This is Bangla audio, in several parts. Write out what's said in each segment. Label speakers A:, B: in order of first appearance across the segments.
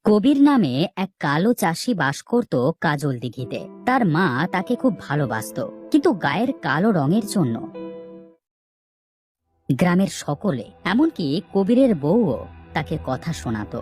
A: কবির নামে এক কালো চাষি বাস করত কাজল দিঘিতে। তার মা তাকে খুব ভালোবাসতো, কিন্তু গায়ের কালো রঙের জন্য গ্রামের সকলে, এমনকি কবিরের বউও তাকে কথা শোনাতো।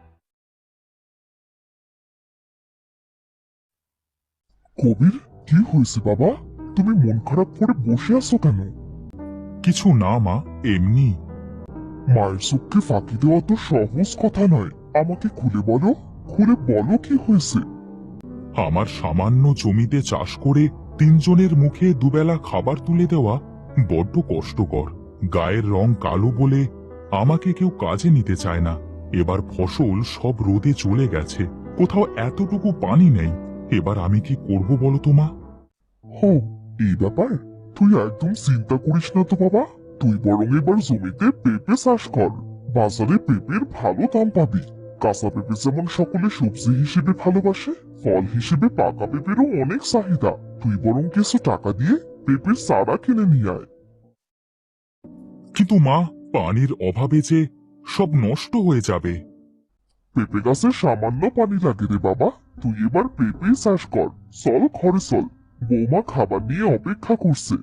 B: কবির, কি হয়েছে বাবা? তুমি মন খারাপ করে বসে আছো কেন?
C: কিছু না মা, এমনি।
B: মায়ের চোখকে ফাঁকি দেওয়া তো সহজ কথা নয়। আমাকে খুলে বলো, খুলে বলো কি হয়েছে।
C: আমার সামান্য জমিতে চাষ করে তিনজনের মুখে দুবেলা খাবার তুলে দেওয়া বড্ড কষ্টকর। গায়ের রং কালো বলে আমাকে কেউ কাজে নিতে চায় না। এবার ফসল সব রোদে চলে গেছে, কোথাও এতটুকু পানি নেই। এবার আমি কি করব বলো তো মা?
B: হো, এই ব্যাপার? তুই একদম চিন্তা করিস না তো বাবা। তুই বরং এবার জমিতে পেঁপে চাষ কর। বাজারে পেঁপের ভালো দাম পাবি। কাঁচা পেঁপে যেমন সকলে সবজি হিসেবে ভালোবাসে, ফল হিসেবে পাকা পেঁপেরও অনেক চাহিদা। তুই বরং কিছু টাকা দিয়ে পেঁপের চারা কিনে নিয়ে আয়।
C: কিন্তু মা, পানির অভাবে যে সব নষ্ট হয়ে যাবে।
B: পেঁপে গাছে সামান্য পানি লাগে রে বাবা। তুই এবার পেঁপে চাষ কর। চল ঘরে চল, বৌমা খাবার নিয়ে অপেক্ষা করছে।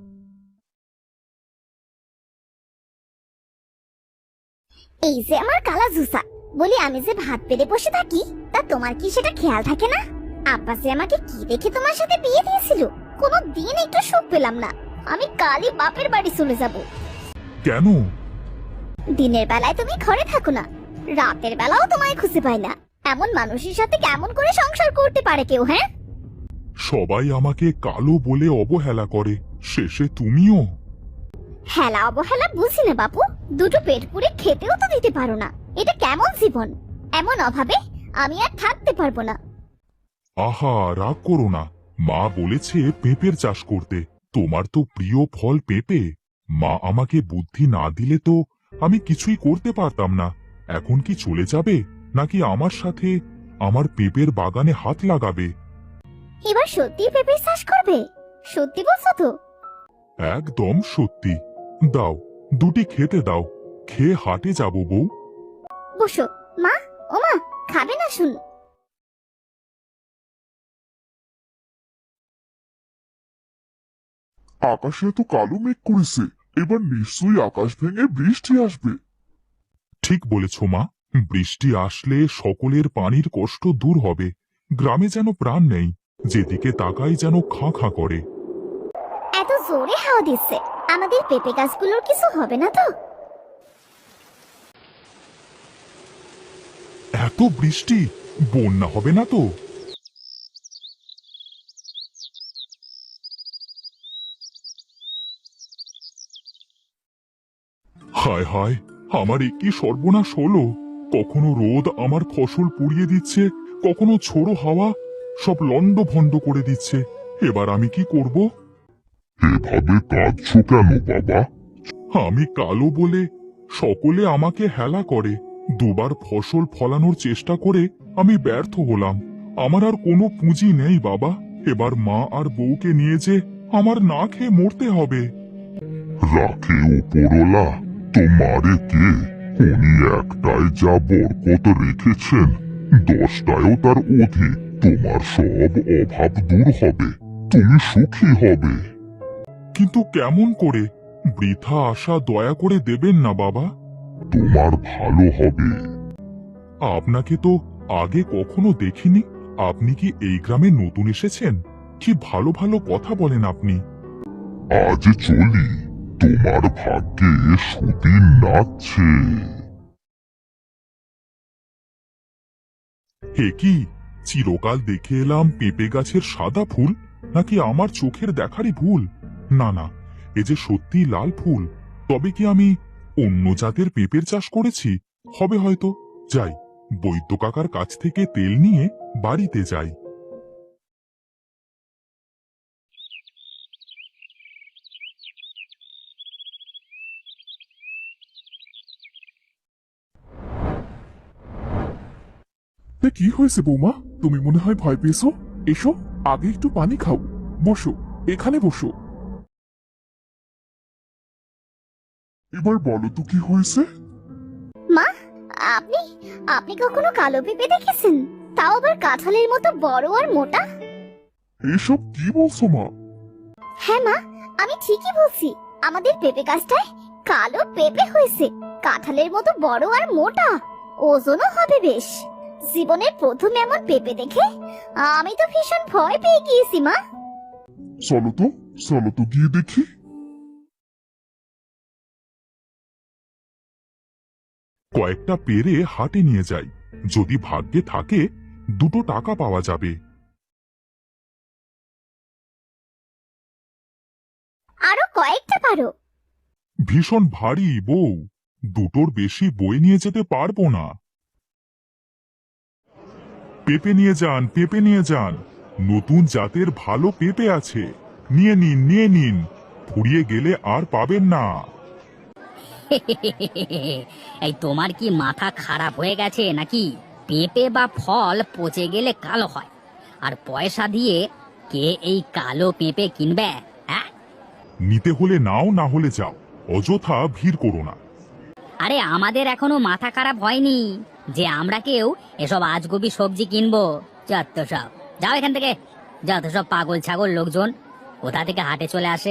D: এই যে আমার কালা জুসা, বলি আমি যে ভাত পেরে বসে থাকি, তা তোমার কি সেটা খেয়াল থাকে না? আব্বা যে আমাকে কি দেখে তোমার সাথে বিয়ে দিয়েছিল, কোনো দিন একটু সুখ পেলাম না। আমি কালই বাপের বাড়ি চলে যাব।
C: কেন?
D: দিনের বেলায় তুমি ঘরে থাকো না, রাতের বেলাও তোমায় খুঁজে পাই না। এমন মানুষের সাথে কেমন করে সংসার করতে পারে কেউ? হ্যাঁ,
C: সবাই আমাকে কালো বলে অবহেলা করে, শেষে তুমিও।
D: হেলা অবহেলা বুঝি না বাপু, দুটো পেট পুড়ে খেতেও তো দিতে পারো না। এটা কেমন জীবন? এমন অভাবে আমি আর থাকতে পারবো না।
C: আহা, রাগ করো না। মা বলেছে পেঁপের চাষ করতে। তোমার তো প্রিয় ফল পেঁপে। মা আমাকে বুদ্ধি না দিলে তো আমি কিছুই করতে পারতাম না। এখন কি চলে যাবে, নাকি আমার সাথে আমার পেঁপের বাগানে হাত লাগাবে?
D: এবার সত্যি পেঁপে চাষ করবে? সত্যি বলছো তো?
C: একদম সত্যি। দাও, দুটি খেতে দাও। খেয়ে হাটে যাব বউ।
D: বসো মা। ও মা, খাবে না শুন?
B: আকাশে এত কালো মেঘ করেছে, এবার নিশ্চয়ই আকাশ ভেঙে বৃষ্টি আসবে।
C: ঠিক বলেছ মা। বৃষ্টি আসলে সকলের পানির কষ্ট দূর হবে। গ্রামে যেন প্রাণ নেই, যেদিকে তাকাই যেন খাঁ খাঁ করে।
D: এত জোরে হাওয়া দিচ্ছে, আমাদের পেঁপে গাছগুলোর কিছু হবে না তো?
C: এত বৃষ্টি, বন্যা হবে না তো? হায় হায়, আমার কি সর্বনাশ হলো! কখনো রোদ আমার ফসল পুড়িয়ে দিচ্ছে, কখনো ঝোড়ো হাওয়া সব লন্ডভন্ড করে দিচ্ছে। এবার আমি কি করব?
B: এভাবে কাঁদছো কেন বাবা?
C: আমি কালো বলে সকলে আমাকে হেলা করে। দুবার ফসল ফলানোর চেষ্টা করে আমি ব্যর্থ হলাম। আমার আর কোনো পুঁজি নেই বাবা। এবার মা আর বউকে নিয়ে যে আমার না খেয়ে মরতে হবে।
B: রাখে ওপরওয়ালা, তোমারে কে? উনি একটাই যা বরকত রেখেছেন, 10টায়ও তার অধিক। তোমার সব অভাব দূর হবে, তুমি সুখী হবে।
C: কিন্তু কেমন করে? বৃথা আশা দয়া করে দেবেন না বাবা।
B: তোমার ভালো হবে।
C: আপনাকে তো আগে কখনো দেখিনি। আপনি কি এই গ্রামে নতুন এসেছেন? কি ভালো ভালো কথা বলেন আপনি।
B: আজ চলি, তোমার ভাগ্যে সুদিন নাচছে।
C: হে কি, চিরকাল দেখে এলাম পেঁপে গাছের সাদা ফুল, নাকি আমার চোখের দেখারই ভুল? না না, এ যে সত্যি লাল ফুল। তবে কি আমি অন্য জাতের পেঁপের চাষ করেছি? হবে হয়তো। যাই, বৈদ্য কাকার কাছ থেকে তেল নিয়ে বাড়িতে যাই।
B: কি হয়েছে বৌমা? তুমি মনে হয় ভয় পেয়েছো। এসো, আগে একটু পানি খাও। বসো, এখানে বসো। এবার বলো তো কি হয়েছে।
D: মা, আপনি আপনি কখনো কালো পেঁপে দেখেছেন? তাও আবার কাঁঠালের মতো বড় আর মোটা?
B: এসব কি বলছো মা?
D: হ্যাঁ মা, আমি ঠিকই বলছি। আমাদের পেঁপে গাছটায় কালো পেঁপে হয়েছে, কাঁঠালের মতো বড় আর মোটা, ওজনও হবে বেশ। জীবনের প্রথম এমন পেঁপে দেখে আমি তো ভীষণ ভয় পেয়ে গিয়েছি মা।
B: চলো তো গিয়ে দেখি।
C: কয়েকটা পেরে হাটে নিয়ে যাই, যদি ভাগ্যে থাকে 2 টাকা পাওয়া যাবে।
D: আরো কয়েকটা পারো।
C: ভীষণ ভারী বউ, 2টোর বেশি বই নিয়ে যেতে পারবো না। পেঁপে নিয়ে যান, পেঁপে নিয়ে যান, নতুন জাতের ভালো পেঁপে আছে, নিয়ে নিন, নিয়ে নিন, ফুরিয়ে গেলে আর পাবেন না।
A: এই তোমার কি মাথা খারাপ হয়ে গেছে নাকি? পেঁপে বা ফল পচে গেলে কালো হয়, আর পয়সা দিয়ে কে এই কালো পেঁপে কিনবে? হ্যাঁ,
C: নিতে হলে নাও, না হলে যাও, অযথা ভিড় করো না।
A: আরে আমাদের এখনো মাথা খারাপ হয়নি যে আমরা কেউ এসব আজগুবি সবজি কিনবো। যত সব, যাও এখান থেকে। যত সব পাগল ছাগল লোকজন কোথা থেকে হাটে চলে আসে।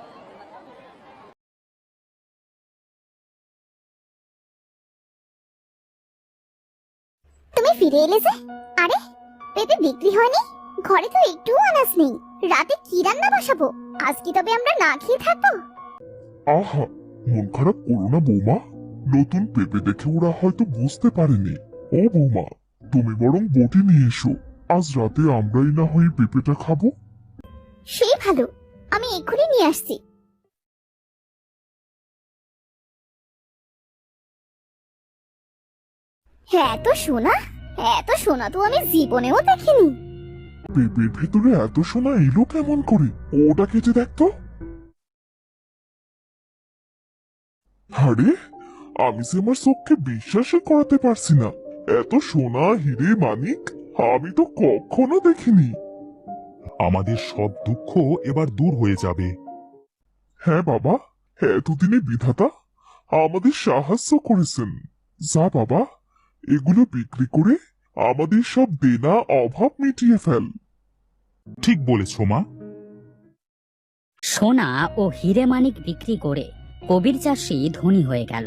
D: তুমি ফিরে এলে যে? আরে, পেঁপে বিক্রি হয়নি? ঘরে তো একটুও আনাজ নেই। রাতে কি রান্না বসাবো? আজ কি তবে আমরা না খেয়ে থাকবো?
B: আহা, মন খারাপ করো না বৌমা। নতুন পেঁপে দেখে ওরা হয়তো বুঝতে পারেনি। ও বৌমা, তুমি বরং বটি নিয়ে এসো, আজ রাতে আমরাই না হয় পেঁপেটা খাবো।
D: সেই ভালো, আমি এক্ষুনি নিয়ে আসছি। হ্যাঁ, এত সোনা তো আমি জীবনেও দেখিনি।
B: পেঁপের ভেতরে এত সোনা এলো কেমন করে? ওটা কেটে দেখতো। আরে, আমি যে আমার চোখকে বিশ্বাসই করাতে পারছি না। এত সোনা, হিরে, মানিক আমি তো কখনো দেখিনি।
C: আমাদের সব দুঃখ এবার দূর হয়ে যাবে।
B: হ্যাঁ বাবা, এতদিনে বিধাতা আমাদের সাহায্য করেছেন। যা বাবা, এগুলো বিক্রি করে আমাদের সব দেনা অভাব মিটিয়ে ফেল।
C: ঠিক বলেছ মা।
A: সোনা ও হিরে মানিক বিক্রি করে কবির চাষি ধনী হয়ে গেল।